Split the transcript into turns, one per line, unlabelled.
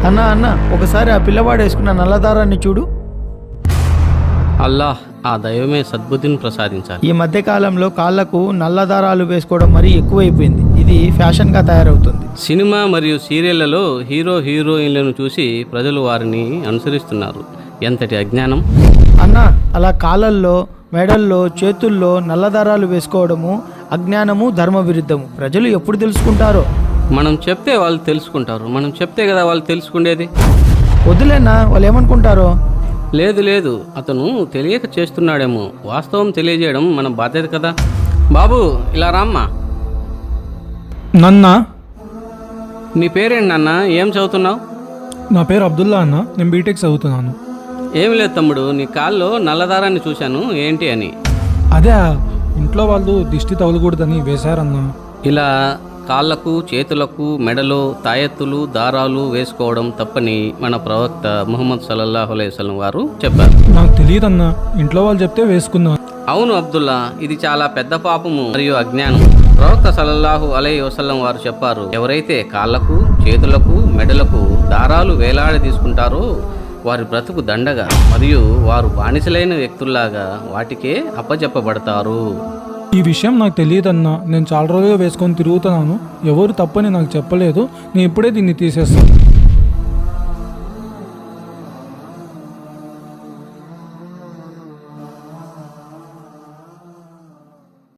అన్నా అన్న, ఒకసారి ఆ పిల్లవాడు వేసుకున్న నల్లదారాన్ని చూడు.
అల్లాహ్, ఆ దైవమే సద్బుద్ధిని ప్రసాదించాలి.
ఈ మధ్య కాలంలో కాళ్లకు నల్లదారాలు వేసుకోవడం మరీ ఎక్కువైపోయింది. ఇది ఫ్యాషన్గా తయారవుతుంది.
సినిమా మరియు సీరియళ్లలో హీరోయిన్లను చూసి ప్రజలు వారిని అనుసరిస్తున్నారు. ఎంతటి అజ్ఞానం!
అన్న, అలా కాళ్ళల్లో, మెడల్లో, చేతుల్లో నల్లదారాలు వేసుకోవడము అజ్ఞానము, ధర్మ విరుద్ధము. ప్రజలు ఎప్పుడు తెలుసుకుంటారో.
మనం చెప్తే వాళ్ళు తెలుసుకుంటారు. మనం చెప్తే కదా వాళ్ళు తెలుసుకునేది.
వద్దులేనా, వాళ్ళు ఏమనుకుంటారో.
లేదు, అతను తెలియక చేస్తున్నాడేమో. వాస్తవం తెలియజేయడం మన బాధ్యత కదా. బాబు, ఇలా రామ్మా.
నన్నా,
నీ పేరేంటి నాన్న? ఏం చదువుతున్నావు?
నా పేరు అబ్దుల్లా అన్న. నేను బీటెక్ చదువుతున్నాను.
ఏమి లేదు తమ్ముడు, నీ కాల్లో నల్లదారాన్ని చూశాను, ఏంటి అని.
అదే ఇంట్లో వాళ్ళు దిష్టి తగలకూడదని వేశారన్నా.
ఇలా కాళ్ళకు, చేతులకు, మెడలో తాయెత్తులు, దారాలు వేసుకోవడం తప్పని మన ప్రవక్త ముహమ్మద్ సల్లల్లాహు అలైహి వసల్లం వారు చెప్పారు.
నాకు తెలియదన్నా, ఇంట్లో వాళ్ళు చెప్తే వేసుకున్నాను.
అవును అబ్దుల్లా, ఇది చాలా పెద్ద పాపము మరియు అజ్ఞానం. ప్రవక్త సల్లల్లాహు అలైహి వసల్లం వారు చెప్పారు, ఎవరైతే కాళ్ళకు, చేతులకు, మెడలకు దారాలు వేలాడి తీసుకుంటారో వారి బ్రతుకు దండగా మరియు వారు బానిసలైన వ్యక్తుల్లాగా వాటికే అప్పచెప్పబడతారు.
ఈ విషయం నాకు తెలియదన్నా. నేను చాలా రోజులుగా వేసుకొని తిరుగుతున్నాను. ఎవరు తప్పని నాకు చెప్పలేదు. నేను ఇప్పుడే దీన్ని తీసేస్తాను.